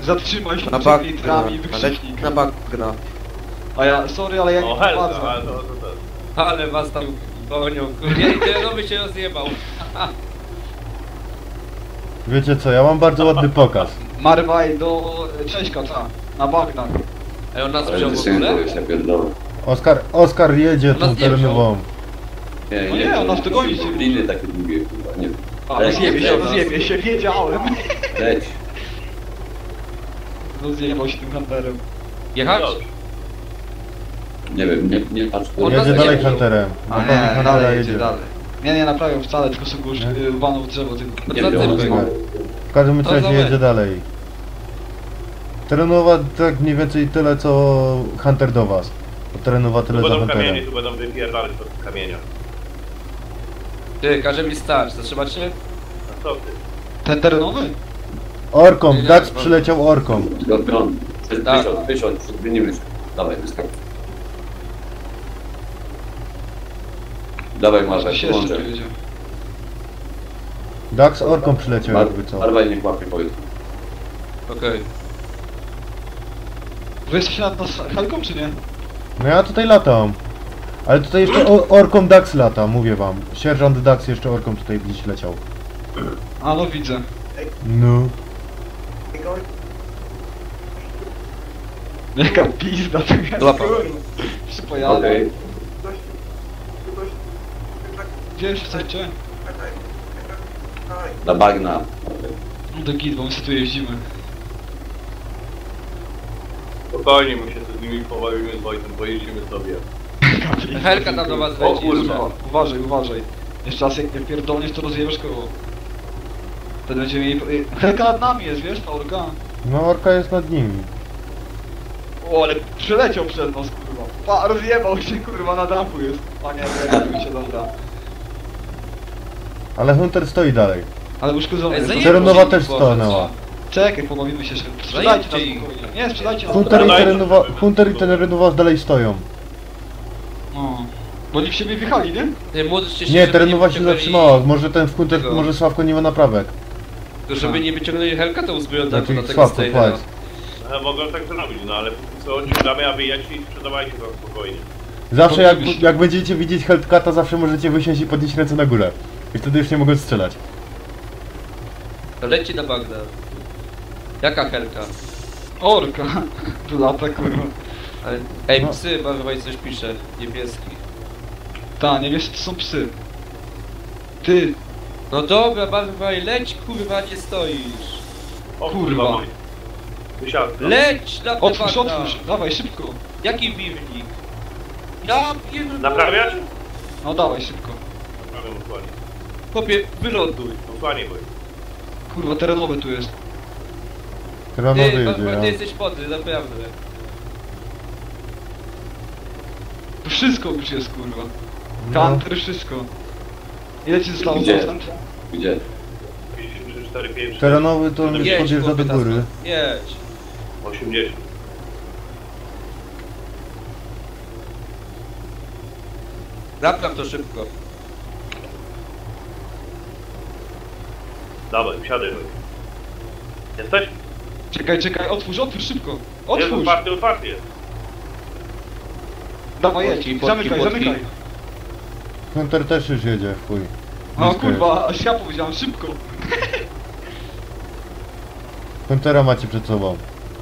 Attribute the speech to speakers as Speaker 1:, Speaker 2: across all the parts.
Speaker 1: Zatrzymaj się
Speaker 2: Na
Speaker 1: przed
Speaker 2: bak
Speaker 1: litrami i
Speaker 2: gra.
Speaker 1: wykrzyknik.
Speaker 2: Na bak gra.
Speaker 1: A ja, sorry, ale ja nie
Speaker 3: O, helka,
Speaker 1: prowadzę.
Speaker 3: ale to.
Speaker 4: Ale was tam gonią, kurde. I terenowy się rozjebał.
Speaker 5: Wiecie co, ja mam bardzo ładny pokaz.
Speaker 1: Marwaj do Cześćka, ta. Na bagnach.
Speaker 4: Ej, on nas
Speaker 6: Ale
Speaker 4: wziął w
Speaker 6: ty
Speaker 4: ogóle?
Speaker 6: się pierdolę.
Speaker 5: Oskar jedzie
Speaker 4: Ona
Speaker 5: tą
Speaker 4: zdjęła.
Speaker 5: terenową.
Speaker 1: No nie, on nas dogoni się.
Speaker 6: Liny takie długie, kurwa, nie wiem.
Speaker 1: A,
Speaker 6: Leć,
Speaker 1: rozjebie się, wiedziałem.
Speaker 6: Leć.
Speaker 1: Rozjebał się tym hunterem.
Speaker 4: Jechać?
Speaker 3: Dobrze.
Speaker 6: Nie wiem, nie patrz.
Speaker 4: On
Speaker 5: Jedzie
Speaker 4: nas
Speaker 5: dalej
Speaker 4: nie wziął.
Speaker 5: Hunterem.
Speaker 1: A
Speaker 5: Na pewno
Speaker 1: nie,
Speaker 5: Huntera
Speaker 1: dalej
Speaker 5: jedzie.
Speaker 1: jedzie dalej. Nie naprawią wcale, tylko sobie go
Speaker 5: Nie?
Speaker 1: walną w drzewo tylko.
Speaker 4: No
Speaker 6: Nie
Speaker 4: za
Speaker 6: wiem,
Speaker 4: typek.
Speaker 5: W każdym
Speaker 4: To
Speaker 5: razie
Speaker 4: za
Speaker 5: jedzie
Speaker 4: weź.
Speaker 5: dalej. Terenowa tak mniej więcej tyle co Hunter do was. Bo terenowa
Speaker 3: Tu
Speaker 5: tyle za
Speaker 3: będą
Speaker 5: Hunterem.
Speaker 3: kamienie, tu będą wypierdalać do kamienia.
Speaker 4: Ty, każe mi stać, zatrzymać się?
Speaker 3: A co ty?
Speaker 1: Ten terenowy?
Speaker 5: Orką,
Speaker 4: Nie, nie,
Speaker 5: Dax
Speaker 4: no.
Speaker 5: przyleciał orką.
Speaker 6: Skorpion.
Speaker 4: Tak.
Speaker 6: Wysiądź, zmienimy się. Dawaj, wyskak. Dawaj,
Speaker 1: Może
Speaker 6: Marwaj,
Speaker 1: się jeszcze
Speaker 6: włączę.
Speaker 1: tu jedzie.
Speaker 5: Dax orką przyleciał jakby co.
Speaker 6: Marwaj niech łapie powiedz.
Speaker 4: Okej.
Speaker 1: Wy jesteście nad nas helką, czy nie?
Speaker 5: No ja tutaj latam. Ale tutaj jeszcze orką Dax lata, mówię wam. Sierżant Dax jeszcze orką tutaj gdzieś leciał.
Speaker 1: A no widzę.
Speaker 5: No.
Speaker 1: Jaka pizda to jest,
Speaker 4: Łapa.
Speaker 1: kurwa. Przypojadę.
Speaker 6: Okej.
Speaker 1: Gdzie jeszcze chcecie?
Speaker 6: Na bagna.
Speaker 1: No do git, bo my sobie tu jeździmy.
Speaker 3: Spokojnie, my się z nimi pobawimy z Wojtem, pojedziemy sobie.
Speaker 4: Helka tam do was
Speaker 1: O
Speaker 4: wejdzie jeszcze.
Speaker 1: kurwa, uważaj, uważaj. Jeszcze raz jak nie pierdolniesz, to rozjebiesz koło. Wtedy będziemy mieli... Helka nad nami jest, wiesz, ta orka?
Speaker 5: No orka jest nad nimi.
Speaker 1: O, ale przeleciał przed nas, kurwa. Pa, rozjebał się, kurwa, na dachu jest. Panie, rozjebał się, dobra.
Speaker 5: Ale Hunter stoi dalej.
Speaker 1: Ale uszkodzony
Speaker 4: Ej,
Speaker 1: jest.
Speaker 4: zajebał
Speaker 5: Terenowa
Speaker 4: się,
Speaker 5: też
Speaker 4: Boże,
Speaker 5: stanęła.
Speaker 1: Czekaj, pobawimy się. Sprzedajcie nas
Speaker 4: Zajebcie ich.
Speaker 1: spokojnie. Nie, sprzedajcie nas.
Speaker 5: Hunter i terenowa dalej stoją.
Speaker 1: No. Bo oni w siebie wjechali, nie?
Speaker 4: Ty, módlcie się,
Speaker 5: Nie,
Speaker 4: żeby
Speaker 5: terenowa się
Speaker 4: wyciągnęli-
Speaker 5: zatrzymała. Może ten w Hunter,
Speaker 4: Tego.
Speaker 5: może Sławko nie ma naprawek.
Speaker 4: To żeby nie wyciągnęli Helka, to uzbroją na
Speaker 5: Znaczy
Speaker 4: tego
Speaker 5: Sławko,
Speaker 4: Steinera.
Speaker 5: flex.
Speaker 3: Mogą tak zrobić, no ale póki co ciągamy, a wyjedźcie i sprzedawajcie to spokojnie.
Speaker 5: Zawsze jak będziecie widzieć Hellcata, zawsze możecie wysiąść i podnieść ręce na górę. I wtedy już nie mogą strzelać.
Speaker 4: To leci na Bagna. Jaka Helka?
Speaker 1: Orka. Tu lata, kurwa.
Speaker 4: Ale... Ej,
Speaker 5: No.
Speaker 4: psy, Barwaj coś pisze. Niebieski.
Speaker 1: Ta, nie wiesz, to są psy. Ty,
Speaker 4: No dobra, Barwaj, leć kurwa, nie stoisz.
Speaker 3: O
Speaker 1: Kurwa.
Speaker 3: Wojt. Wysiadł.
Speaker 4: Leć na te
Speaker 1: otwórz,
Speaker 4: Bagna.
Speaker 1: otwórz. Dawaj, szybko.
Speaker 4: Jaki biwnik? Ja pierdolę.
Speaker 3: Naprawiasz?
Speaker 1: No dawaj, szybko.
Speaker 3: Naprawiam dokładnie.
Speaker 4: Chłopie, wyląduj.
Speaker 3: Dokładnie, Wojt.
Speaker 1: Kurwa, terenowy tu jest.
Speaker 5: Terenowy
Speaker 4: Ty,
Speaker 5: jedzie,
Speaker 4: Barwaj, ty
Speaker 5: ja.
Speaker 4: jesteś podry, naprawdę.
Speaker 1: Tu wszystko już jest, kurwa.
Speaker 5: No.
Speaker 1: Counter, wszystko. Ile ci zostało
Speaker 6: Gdzie?
Speaker 1: procent?
Speaker 6: Gdzie?
Speaker 3: 53, 4, 5,
Speaker 5: Terenowy to on już
Speaker 4: Jedź,
Speaker 5: podjeżdża do
Speaker 4: chłopie,
Speaker 5: góry.
Speaker 4: Tasman. Jedź.
Speaker 3: 80.
Speaker 4: Napraw to szybko.
Speaker 3: Dawaj, wsiadaj, Wojt. Jesteś?
Speaker 1: Czekaj, otwórz, szybko.
Speaker 3: Jest
Speaker 1: Otwórz.
Speaker 3: otwarty jest.
Speaker 1: Dawaj, jedź.
Speaker 4: Podki,
Speaker 1: Zamykaj,
Speaker 4: podki.
Speaker 1: zamykaj.
Speaker 5: Hunter też już jedzie, w chuj.
Speaker 1: O
Speaker 5: Blisko
Speaker 1: kurwa, aż ja powiedziałem, szybko.
Speaker 5: jest. Huntera macie przed sobą.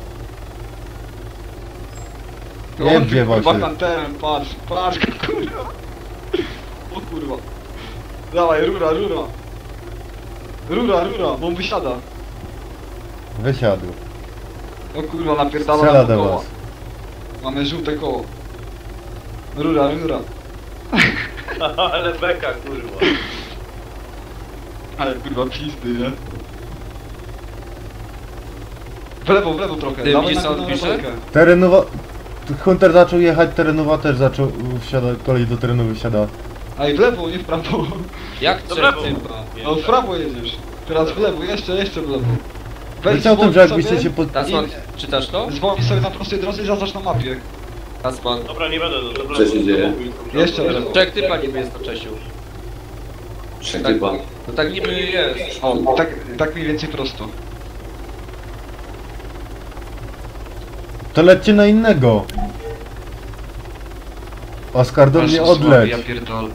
Speaker 5: Nie
Speaker 1: On
Speaker 5: wdziewał
Speaker 1: kurwa
Speaker 5: się.
Speaker 1: kanterem, patrz, kurwa. O kurwa. Dawaj, rura. Rura, bo on wysiada.
Speaker 5: Wysiadł.
Speaker 1: O kurwa, napierdala
Speaker 5: Strzela
Speaker 1: nam
Speaker 5: do
Speaker 1: koła.
Speaker 5: was.
Speaker 1: Mamy żółte koło. Rura.
Speaker 3: Ale beka, kurwa.
Speaker 1: Ale kurwa pizdy, nie? W lewo trochę.
Speaker 4: Ty
Speaker 1: Dawaj
Speaker 4: widzisz, co on
Speaker 1: na
Speaker 4: pisze?
Speaker 1: rolkę.
Speaker 5: Terenowa... Hunter zaczął jechać, terenowa też zaczął... Wsiada, kolej do terenowy wsiada.
Speaker 1: Ej, w lewo, nie w prawo.
Speaker 4: Jak
Speaker 3: Do
Speaker 4: trzech
Speaker 3: prawo.
Speaker 4: typa?
Speaker 1: No w prawo jedziesz. Teraz w lewo, jeszcze w lewo.
Speaker 5: Wiecie o tym, że jakbyście się pod...
Speaker 4: Tasman, czytasz to?
Speaker 1: Zwolnij sobie na prostej drodze i zaznacz na mapie.
Speaker 4: Tasman.
Speaker 3: Dobra, nie będę. Dobra,
Speaker 6: Co się dzieje?
Speaker 1: Jeszcze raz.
Speaker 4: Trzech typa niby jest na Czesiu.
Speaker 6: Trzech
Speaker 4: Tak.
Speaker 6: typa.
Speaker 4: No tak niby jest.
Speaker 1: O, tak mniej więcej prosto.
Speaker 5: To lećcie na innego. Oskar, do mnie
Speaker 1: Ale są słabi,
Speaker 5: odleć.
Speaker 1: ja pierdolę.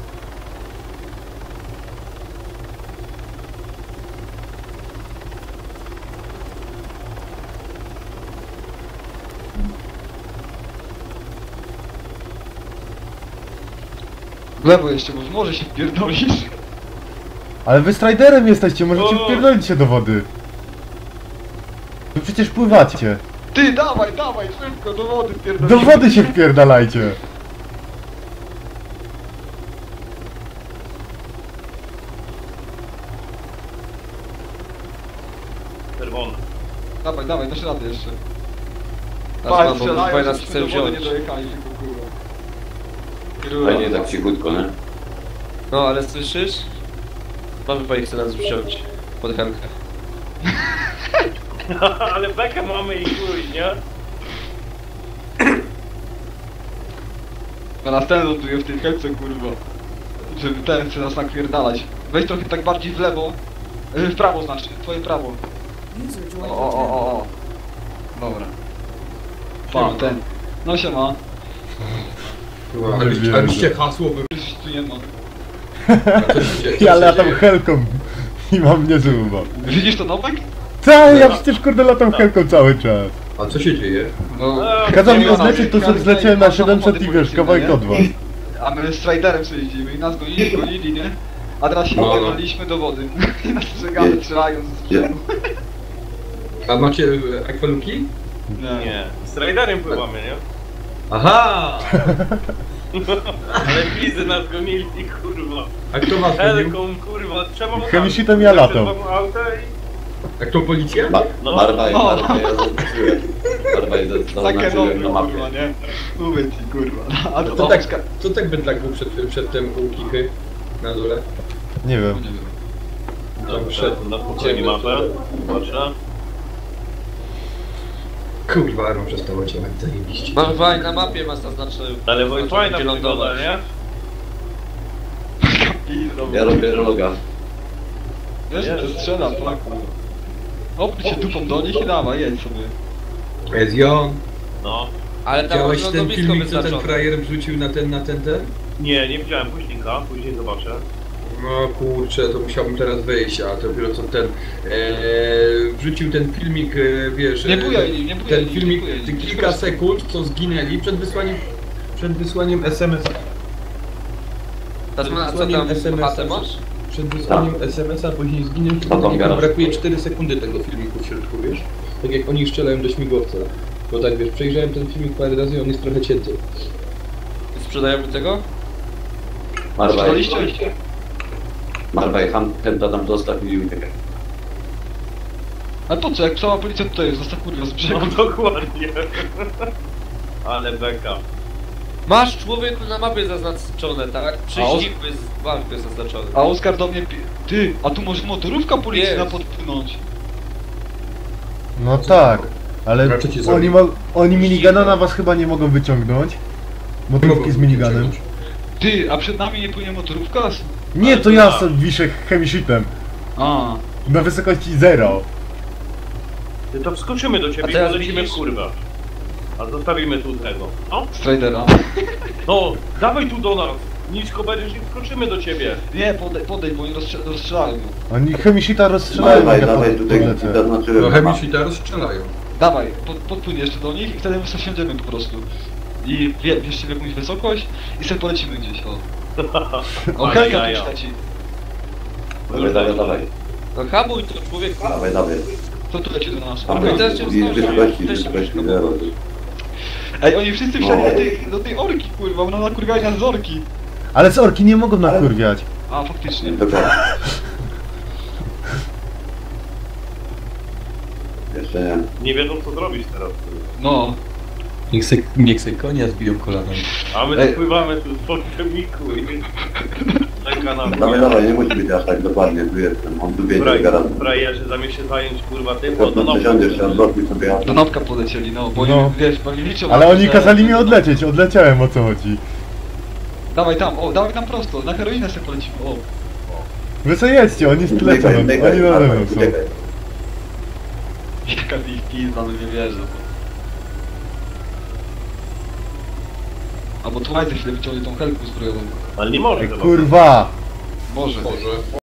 Speaker 1: W lewo jeszcze, bo może się wpierdolisz.
Speaker 5: Ale wy striderem jesteście, możecie
Speaker 3: O!
Speaker 5: wpierdolić się do wody. Wy przecież pływacie.
Speaker 1: Ty, dawaj, dawaj, szybko, do wody
Speaker 5: Do
Speaker 1: wpierdolisz.
Speaker 5: wody się wpierdalajcie.
Speaker 3: Czerwony.
Speaker 1: Dawaj, dawaj, dasz radę jeszcze.
Speaker 4: Teraz mam, bo
Speaker 1: strzelają,
Speaker 4: dwaj nas
Speaker 1: żebyśmy
Speaker 4: chce
Speaker 1: do wody
Speaker 4: wziąć.
Speaker 1: nie dojechali, tylko kurwa.
Speaker 6: Fajnie tak cichutko, nie?
Speaker 4: No, ale słyszysz? Mamy chyba chce nas wziąć. Pod helkę.
Speaker 3: Ale bekę mamy i chuj, nie?
Speaker 1: A następny ląduje w tej helce, kurwa. Żeby ten chce nas nakwierdalać. Weź trochę tak bardziej w lewo. W prawo znaczy, twoje prawo. O. Dobra. Pa, ten. No siema.
Speaker 2: Aliście hasło wy...
Speaker 1: Już tu nie ma.
Speaker 5: Ja latam helką i mam niezły humor.
Speaker 1: Widzisz to Nowek?
Speaker 5: Cały, ja przecież kurde latam helką cały czas.
Speaker 2: A co się dzieje?
Speaker 1: No.
Speaker 5: Kazał mi
Speaker 1: Nie ma
Speaker 5: odlecieć, to
Speaker 1: nas.
Speaker 5: sobie zleciałem na
Speaker 1: Masz
Speaker 5: 700 i
Speaker 1: samochody
Speaker 5: wiesz, kawałek
Speaker 1: policyjne,
Speaker 5: od
Speaker 1: nie?
Speaker 5: was.
Speaker 1: A my z Striderem sobie jeździmy i nas gonili, nie? A teraz się
Speaker 2: No.
Speaker 1: wpierdoliliśmy do wody. I nas strzegamy, strzelają z brzegu.
Speaker 2: A macie akwaluki?
Speaker 3: Nie. Z Raiderem pływamy, nie?
Speaker 2: Aha!
Speaker 3: Ale wizy nas gonili, kurwa.
Speaker 2: A kto was gonił?
Speaker 3: Helką, kurwa, trzeba mu
Speaker 5: Chemisitem ja latam.
Speaker 2: A kto policja?
Speaker 3: No.
Speaker 6: Barbaj,
Speaker 1: No.
Speaker 6: Barbaj, ja zaznaczyłem. Barbaj,
Speaker 1: Takie
Speaker 6: zaznaczyłem
Speaker 1: nowe,
Speaker 6: na mapie.
Speaker 1: kurwa, nie? Mówię ci, kurwa. A to
Speaker 2: To tak,
Speaker 1: Oskar.
Speaker 2: co tak bydlak był przedtem u Kichy? Na dole?
Speaker 5: Nie wiem.
Speaker 3: Na spokojnie mapę. Zobaczę.
Speaker 2: Kurwa, Aaron przestał ciągnąć, zajebiście.
Speaker 4: Mamy fajnie, na mapie masz zaznaczone.
Speaker 3: Ale wojna fajna
Speaker 4: gdzie
Speaker 3: wygląda,
Speaker 4: lądować.
Speaker 3: nie?
Speaker 6: Ja robię roga.
Speaker 1: Wiesz, że strzelam, tak? Opnij się dupą do nich i dawaj, jedź sobie.
Speaker 2: Ezjon,
Speaker 3: No.
Speaker 4: Ale tam
Speaker 2: widziałeś
Speaker 4: masz
Speaker 2: ten
Speaker 4: lądowisko
Speaker 2: filmik, co ten
Speaker 4: wyznaczone.
Speaker 2: frajer wrzucił na ten?
Speaker 3: Nie, nie widziałem późnika, później zobaczę.
Speaker 2: No kurczę, to musiałbym teraz wyjść, a dopiero co ten wrzucił ten filmik, wiesz,
Speaker 1: Nie bujaj nim, nie bujaj
Speaker 2: ten
Speaker 1: nim,
Speaker 2: filmik,
Speaker 1: nie bujaj nim.
Speaker 2: kilka sekund, co zginęli przed wysłaniem SMS,
Speaker 4: Teraz ma, co
Speaker 2: wysłaniem
Speaker 4: tam,
Speaker 2: SMS-a.
Speaker 4: chatę masz?
Speaker 2: przed wysłaniem SMS-a, później zginęli,
Speaker 6: No to
Speaker 2: i
Speaker 6: garaż.
Speaker 2: brakuje 4 sekundy tego filmiku w środku, wiesz? Tak jak oni strzelają do śmigłowca. Bo tak wiesz, przejrzałem ten filmik parę razy i on jest trochę cięty.
Speaker 4: Sprzedajemy tego?
Speaker 6: Barbaj,
Speaker 1: Sprzedaliście?
Speaker 6: Barbaj, chęta tam dostaw i uciekaj.
Speaker 1: Ale po co, jak cała policja tutaj jest, zostaw kurwa z brzegu.
Speaker 3: No dokładnie. Ale beka.
Speaker 4: Masz człowieku na mapie zaznaczone, tak? Prześcigły z walki jest zaznaczony.
Speaker 1: A Oskar do mnie Ty, a tu może motorówka policyjna
Speaker 4: Jest.
Speaker 1: podpłynąć.
Speaker 5: No tak, ale
Speaker 2: Raczej cię
Speaker 5: oni,
Speaker 2: zabiję.
Speaker 5: oni minigana na was chyba nie mogą wyciągnąć. Motorówki z miniganem.
Speaker 1: Ty, a przed nami nie płynie motorówka?
Speaker 5: Nie, to ja sobie wiszę chemisitem.
Speaker 1: A,
Speaker 5: Na wysokości 0.
Speaker 3: Ty to wskoczymy do
Speaker 4: A
Speaker 3: ciebie i
Speaker 4: teraz
Speaker 3: polecimy
Speaker 4: widzisz?
Speaker 3: kurwa. A zostawimy tu tego. No?
Speaker 1: Stridera.
Speaker 3: No, dawaj tu do nas. Nisko będziesz i wskoczymy do ciebie.
Speaker 1: Nie, podej, bo oni rozstrzelają ją.
Speaker 5: Oni chemisita rozstrzelają,
Speaker 6: Dawaj,
Speaker 5: jak ja
Speaker 6: dawaj, tutaj
Speaker 5: podlecę.
Speaker 6: zaznaczyłem
Speaker 2: No
Speaker 6: na mapie.
Speaker 2: chemisi teraz strzelają.
Speaker 1: Dawaj, podpłyń jeszcze do nich i wtedy my sobie wsiądziemy po prostu. I wierzcie w jakąś wysokość i sobie polecimy gdzieś, o. O,
Speaker 3: Ale
Speaker 1: Helka
Speaker 3: jaja.
Speaker 1: tu leci.
Speaker 6: Dawaj.
Speaker 4: No hamuj to człowieku.
Speaker 6: Dawaj.
Speaker 1: Co tu leci do nas?
Speaker 6: Tam
Speaker 1: Okej.
Speaker 4: teraz cię
Speaker 6: wysokości 0.
Speaker 1: Ej, oni wszyscy wsiadli
Speaker 6: No.
Speaker 1: do tej orki, kurwa, ona nakurwiała nas z orki.
Speaker 5: Ale z orki nie mogą nakurwiać.
Speaker 1: A, faktycznie.
Speaker 6: Dokładnie. Jeszcze nie.
Speaker 3: Nie wiedzą co zrobić teraz.
Speaker 1: No.
Speaker 2: Niech se konia zbiją kolanem.
Speaker 3: A my
Speaker 1: Ej.
Speaker 3: tu pływamy tu z podczemniku i... Czeka nam.
Speaker 6: Dawaj, nie musi być aż tak dokładnie, tu jestem. On tu wie, że garażu.
Speaker 3: Frajerzy zamiast się zająć kurwa tym,
Speaker 6: Po
Speaker 3: to
Speaker 6: prostu
Speaker 3: no.
Speaker 6: przesiądziesz się, odblokuj sobie
Speaker 1: Do Nopka polecieli, no, bo
Speaker 5: No.
Speaker 1: oni, wiesz, bo oni liczą...
Speaker 5: Ale
Speaker 1: na to,
Speaker 5: oni
Speaker 1: że-
Speaker 5: kazali mi odlecieć, odleciałem, o co chodzi.
Speaker 1: Dawaj tam prosto, na heroinę sobie polecimy, o.
Speaker 5: Wy co jedźcie, oni lecą, oni nade mną są.
Speaker 1: Jaka ich pizda, no nie wierzę. Albo Twilight za chwilę wyciągnie tą helkę zbrojową.
Speaker 3: Ale nie może
Speaker 5: Ej,
Speaker 3: chyba.
Speaker 5: kurwa!
Speaker 1: Może.
Speaker 2: Może.